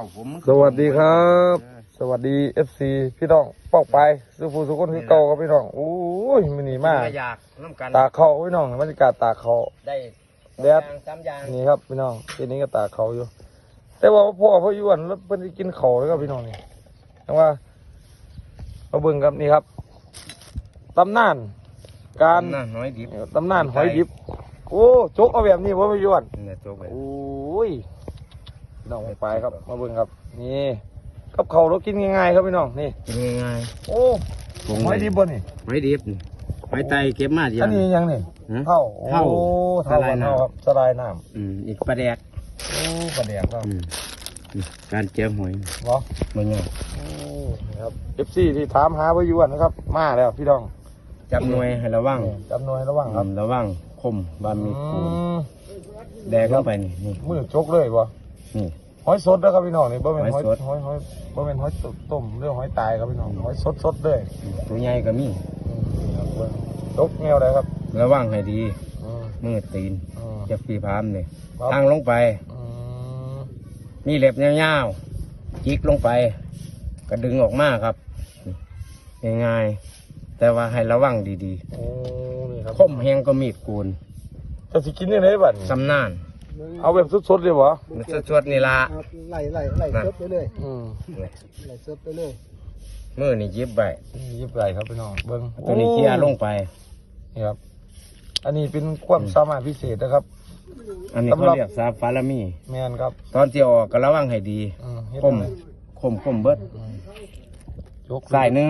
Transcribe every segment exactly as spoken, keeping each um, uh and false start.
าผมสวัสดีครับสวัสดีเอฟซีพี่น้องเป้าไปสุภูสุคนคือเก่าครับพี่น้องโอ้ยมันนี่มากอยากน้ำกันตาเขาพี่น้องบรรยากาศตาเขาได้แดดสามอย่างนี่ครับพี่น้องทีนี้ก็ตาเขาอยู่แต่ว่าพ่อพ่อยวนแล้วเพิ่นกินเขาแล้วครับพี่น้องนี่แต่ว่ามาเบิ่งครับนี่ครับตำนานการน่าน้อยดิบตำนานหอยดิบโอ้จกเอาแบบนี้พ่ออยวนเนี่ยโจ๊กไปโอ้ยพี่น้องไปครับมาเบิ่งครับนี่กับเขาเรากินง่ายๆครับพี่น้องนี่กินง่ายโอ้หอยดิบบ่นี่หอยดิบหอยไตเก็บมาเดียวอันนี้ยังนี่เท่าเท่าโอ้เท่าสลายน้ำเท่าครับสลายน้อืมอีกปลาแดกำโอ้กระเดียกครับอืมการเจียวหอยเนาะมันยังโอ้นี่ครับเอฟซีที่ถามหาพายุวันนะครับ มาแล้วพี่น้องจับหน่วยให้ระวังจำนวนระวังครับระวังคมบามีอืปูนมแดกลงไปนี่นี่มือจกเลยบ่นี่หอยสดนะครับพี่น้องนี่บ่เป็นหหออย ยสดหอยหอยบ่เป็นหอยต้มเรื่องหอยตายครับพี่น้องหอยสดสดๆเลยตัวใหญ่ก็มีอืมนี่ครับเบิ่งจกแนวใดครับระวังให้ดีอืมมือตีนอืมจะปีพามนี่ครับทางลงไปอืมมีเล็บยาวๆจิกลงไปก็ดึงออกมาครับนี่ง่ายๆแต่ว่าให้ระวังดีโอ้นี่ครับๆคมแหงก็มีดโกนจะสิกินได้ไหนบัดนี้สำนานเอาแบบสดๆเลยบ่มันสวดๆนี่ละครับไล่ไล่ไล่นั่นเซิร์ฟไปเลยอืมไล่เซิร์ฟไปเลยมือนี่ยิบไปยิบไหลครับพี่น้องเบิ้งตัวนี้เคลียร์ลงไปนี่ครับ อันนี้เป็นความสามารถพิเศษนะครับอันนี้สำเขาหรับเรียกซาฟารามีแมนครับตอนที่ออกก็ระวังให้ดีอืมเฮ็ดคมเลยคมคมเบิดยกสายหนึ่ง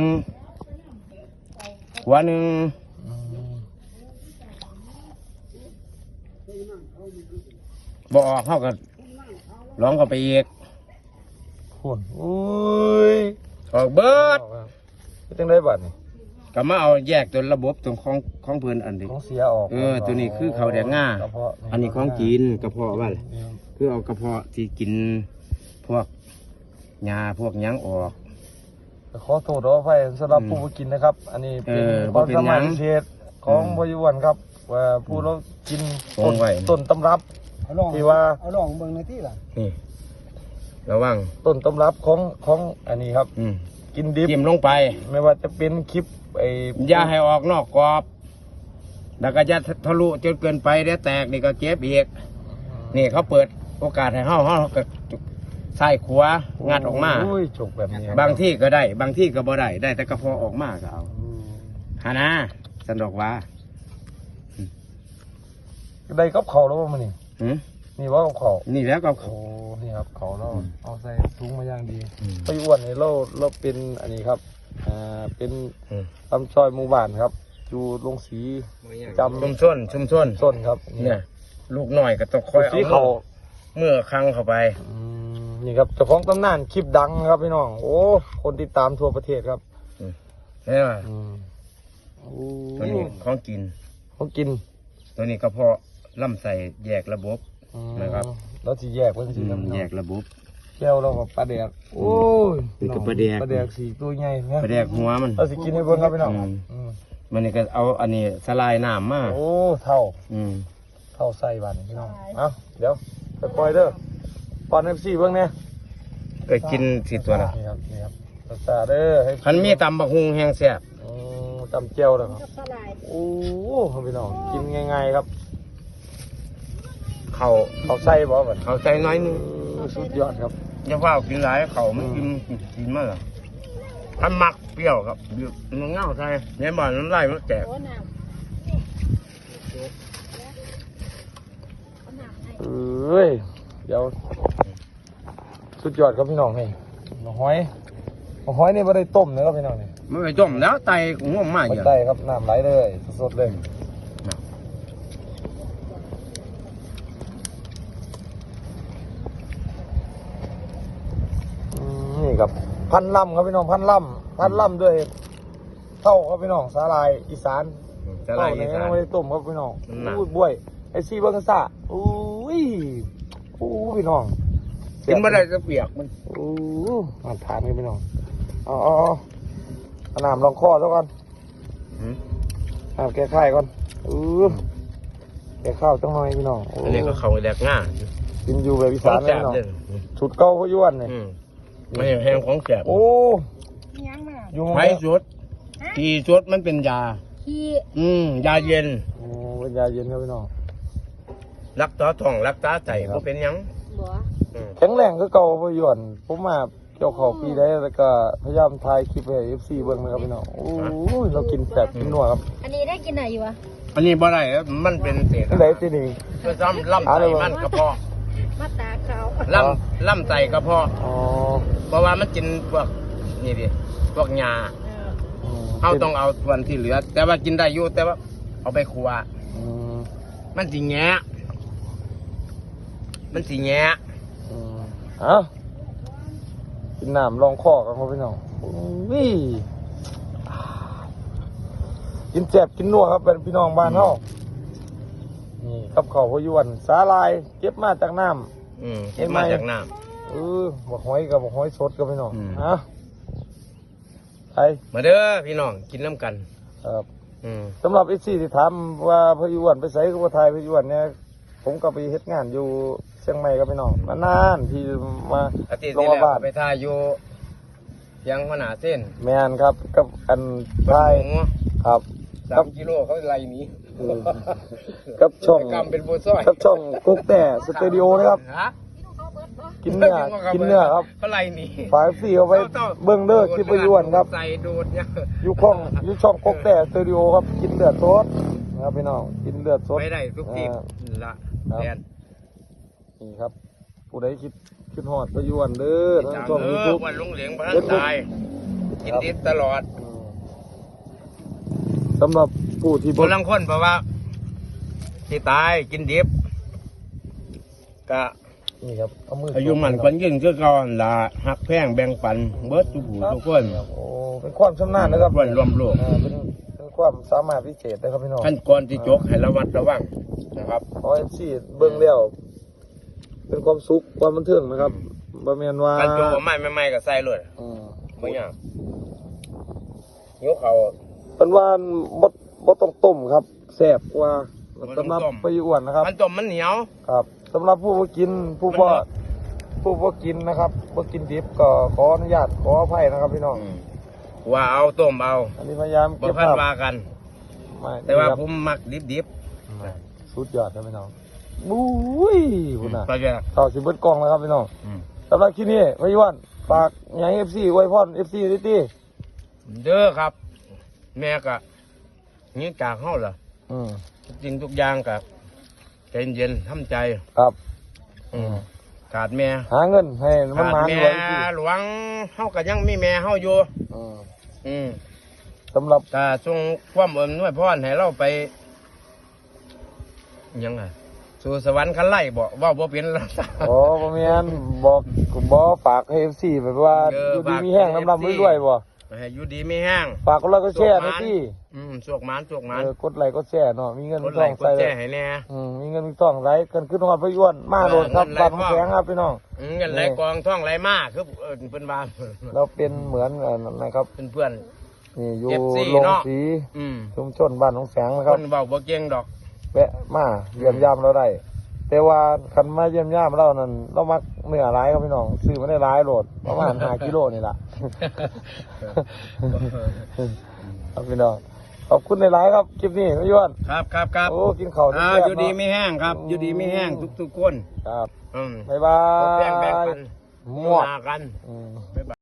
หัวหนึ่งอืมบ่ออกเขาก็ร้องเข้าไปอีกหุ่นอุ้ยออกเบิดเป็นจังได้บัดนี่ก็มาเอาแยกตัวระบบตรงของของเพื่อนอันนี้ของเสียออกเออตัวนี้คือเขาวแดงง่ากระเพาะอันนี้ของกินกระเพาะว่าล่ะนี่ครับคือเอากระเพาะที่กินพวกหญ้าพวกหยังออกขอโทษขออภัยสำหรับอืมผู้บ่กินนะครับ อันนี้เป็นเออความบ่เป็นสามารถหยังพิเศษของอืมพยวนครับ ว่าผู้เรากินคงไว้ต้นตำรับเอาลองที่ว่าเอาลองเบิ่งในที่ล่ะนี่ระวังต้นตำรับของของอันนี้ครับอืมกินดิบจิ้มลงไปไม่ว่าจะเป็นคลิปไอ้อย่าให้ออกนอกกรอบ แล้วก็จะทะลุจนเกินไปเดี๋ยวแตกนี่ก็เจ็บอีกนี่เขาเปิดโอกาสให้เฮาเฮาก็ใส่ขวางัดออกมาอุ้ยจกแบบนี้บางที่ก็ได้ บางที่ก็บ่ได้ ได้แต่กระเพาะออกมาก็เอาอืมฮานะสันดอกว่าได้กับเขาแล้วว่ามันนี่หืมนี่ว่ากับเขานี่แล้วก็โอ้นี่ครับเขาเราอืมเอาใส่ถุงมาอย่างดีอืมไปอ้วนนี่เราเราเป็นอันนี้ครับอ่าเป็นอืมตำซอยหมู่บ้านครับอยู่ลงสีจำชุมชนชุมชนส้นครับเนี่ย ลูกหน่อยก็ต้องคอยสีเอาเขาเมื่อครั้งเข้าไปอืมนี่ครับเจ้าของตำนานคลิปดังครับพี่น้องโอ้คนติดตามทั่วประเทศครับเห็นไหมอืมโอ้ตัวนี้ของกินเขากินตัวนี้กระเพาะลำไส้แยกระบบอืมนะครับแล้วสีแยกเพิ่นสีครับพี่น้องแยกระบบแก้วเรากับปลาแดกโอ้ยนี่ก็ปลาแดกปลาแดกสีตัวใหญ่นะไปแดกหัวมันเราสิกินให้เบิ่งครับพี่น้องอืมอืมมันนี่ก็เอาอันนี้สลายน้ำมาโอ้เท่าอืมเท่าไส้บานพี่น้องเอาเดี๋ยวไปปล่อยเด้อปอนเอฟซีเบิ่งเนี่ยก็กินสิตัวละนี่ครับนี่ครับภาษาเด้อให้คันมีตำบักฮุงแห้งแซ่บอืมจำเจียวเลยครับโอ้พี่น้องกินง่ายๆครับเขาเขาไส้บ่บัดเขาใจน้อยนึงอืมสุดยอดครับอย่าว่ากินหลายเขามันกินกินมากหรอถ้ามักเปรี้ยวครับมันเง่าใส่ในบ่อนน้ำลายมันแตกเอ้ยเดี๋ยวสุดยอดครับพี่น้องนี่หน่อหอยหน่อหอยนี่ไม่ได้ต้มนะครับพี่น้องนี่ไม่ไปต้มแล้วไตง่วงมากไม่เยอะได้ครับน้ำไหลเลยสดๆเลยอืมนี่ครับพันล่ำครับพี่น้องพันล่ำพันล่ำด้วยเท่าครับพี่น้องสาลายอีสานจะไล่อีเท่าสานนี่ไม่ได้ต้มครับพี่น้องหนักอุ้ยบ้วยไอซีเบิ้งซ่าอุ้ยอู้พี่น้องกินไม่ได้จะเปียกมันอู้มาทานกันพี่น้องเอาเอาเอาเอาน้ำลองคอซะก่อนน้ำแก้ไขก่อนอือแก้ข้าวจังหน่อยพี่น้องโอันนี้ก็เขาแดกง่ากินอยู่แบบอีของสานเลยแซ่บพี่น้องเลยชุดเก่าพ่อยวนนี่อืมไม่แห้งของแสบโอ้ยังน่ะอยู่ไผ่สดทีสดมันเป็นยาขี้อืมยาเย็นโอ้เป็นยาเย็นครับพี่น้องรักษาท้องรักษาใจบ่เป็นหยังบ่อืมแข็งแรงก็เก่าพ่อยวนผมมาเกี่ยวข้าวปีได้แล้วก็พยายามถ่ายคลิปให้ เอฟ ซี เบิ่งนะครับพี่น้องโอ้ยเรากินแบบกินนัวครับอันนี้ได้กินไหนอยู่วะอันนี้บ่ได้ครับมันเป็นเศษที่ไหนที่นี่เพื่อซ้ำล่ำไส้มันกระเพาะมาตาขาวล่ำล่ำไส้กระเพาะอ๋อเพราะว่ามันกินพวกนี่ดิพวกหญ้าเออมเขาต้องเอาส่วนที่เหลือ แต่ว่ากินได้อยู่แต่ว่าเอาไปครัวอืมมันสิแงะมันสิแงะอืมเอ้ากินน้ำลองคอกันครับพี่น้องอุ้ยกินแซ่บกินนัวครับเป็นพี่น้องบ้านเฮานี่กับข้าวพ่อยวนสาลายเก็บมาจากน้ำอืมเก็บมาจากน้เออบักหอยกับบักหอยสดกับพี่น้องอืมฮะไปำมาเด้อพี่น้องกินน้ำกันครับอืมสำหรับอีซี่ที่ถามว่าพะยวนไปใส่กับว่าไทยพะยวนเนี่ยผมก็ไปเฮ็ดงานอยู่เชียงใหม่กับพี่น้องนานๆที่มาอาทิตย์ลงที่มาแล้วบ้านไปทายอยู่ยังหัวหน้าเส้นแมนครับกับอันไทยหมูครับสากัมบกิโลเขาไล่หนีเออกับช่องไปกำเป็นบัวซ้อยกับช่องกุ๊กแต่สตูดิโอนะครับฮะกินเนื้อกินเนื้อครับเขาไล่หนีฝ่ายสี่เอาไปเบิ่งเด้อคลิปพะยวนครับใส่ดูดเนี่ยอยู่ช่องอยู่ช่องกุ๊กแต่สตูดิโอครับกินเลือดสดนะครับพี่น้องกินเลือดสดไม่ได้ทุกทีอ่าละครับแทนนี่ครับ ผู้ใดคิดคิดฮอดพะยวนเด้อทางจางช่องเอยูอทูบวันลุงเหลียงพระตายกินดิบตลอดสำหรับผู้ที่คบ่นลังคนเพราะว่าที่ตายกินดิบก็นี่ครับเอามืออายุมันคนยิ่งคือก่อนละหักแพงแบ่งปันเบิดทุกผู้ทุกคนโอ้เป็นความชำนาญนะครับวันรวมโลกอ่าเป็นเป็นความสามารถพิเศษนะครับพี่น้องขั้นก่อนที่จกให้ระมัดระวังนะครับขอเอฟซีเบิ่งแล้วเป็นความสุขความบันเทิงนะครับบ่แม่นว่ากันโจกไม่ไม่ไม่ก็ใส่เลยอืมไม่ยากหิวเขาเป็นว่าบ่บ่ต้องต้มครับแซ่บกว่าบ่ต้องสำหรับต้มไปอ้วนนะครับมันต้มมันเหนียวครับสำหรับผู้บ่กินผู้บ่ผู้บ่กินนะครับบ่กินดิบก็ขออนุญาตขออภัยนะครับพี่น้องว่าเอาต้มเอาอันนี้พยายามบ่เก็บพันภาพว่ากันมาแต่ว่านี่ครับผมมักดิบสุดยอดครับพี่น้องบุ้ยๆคุณน่ะก็จะต่อสิเบิดกล่องแล้วครับพี่น้องอืมสำหรับที่นี่พยาวันฝากอย่างเอฟซีไว้พอนเอฟซีดิตี้เด้อครับ แม่ก็นี่จากเฮาล่ะอืมจริงทุกอย่างก็ใจเย็นๆทำใจครับอืมขาดแม่หาเงินให้มันขาดมาแม่ด้วยที่หลวงเฮาก็ยังมีแม่เฮาอยู่อืมอืมสำหรับก็ทรงความเอิ่มน้วยพรให้เราไปหยังไงสู่สวรรค์คันไล่บ่เว่าบ่เป็นแล้วโอ้บ่แม่นบอกบ่ฝากให้เอฟซีแบบว่าเอออยู่ดีฝากมีแห้งให้น้ำเอฟซีลำรวยๆบ่ให้อยู่ดีไม่แห้งฝากกดไลค์กดแชร์หนะที่อืมสวกหมานสวกหมานเออกดไลค์กดแชร์เนาะมีเงินกมีดทไลองค์กใส่ดแชร์ให้แน่อืมมีเงินมีทองไหลกันขึ้นฮอดพยวนมาโดดครับเงิบ้านนไหลของแสงครับพี่น้องอืมเงินไหลกองท่องไหลมาคือเออเป็นบาเราเป็นเหมือนเอ่อนะครับเป็นเพื่อนนี่อยู่เอฟซีโรงเนาะสีอืมชุมชนบ้านของแสงนะคครับนเบาบ่เก่งดอกแวะมาเยี่ยมยามเราได้ แต่ว่าคันมาเยี่ยมยามเรานั่นเรามักเนื้อร้ายครับพี่น้องซื้อมาได้ร้ายโหลดประมาณห้ากิโลนี่แหละ ครับพี่น้องขอบคุณในร้ายๆครับคลิปนี้พี่ยวนครับครับครับโอ้กินข้าวอ่าแซ่บๆอยู่ดีเนาะไม่แห้งครับ อยู่ดีไม่แห้งทุกทุกๆคนครับอืมบ๊ายบาแบ่งแบ่งยกันมั่วมากันอืมบ๊ายบาย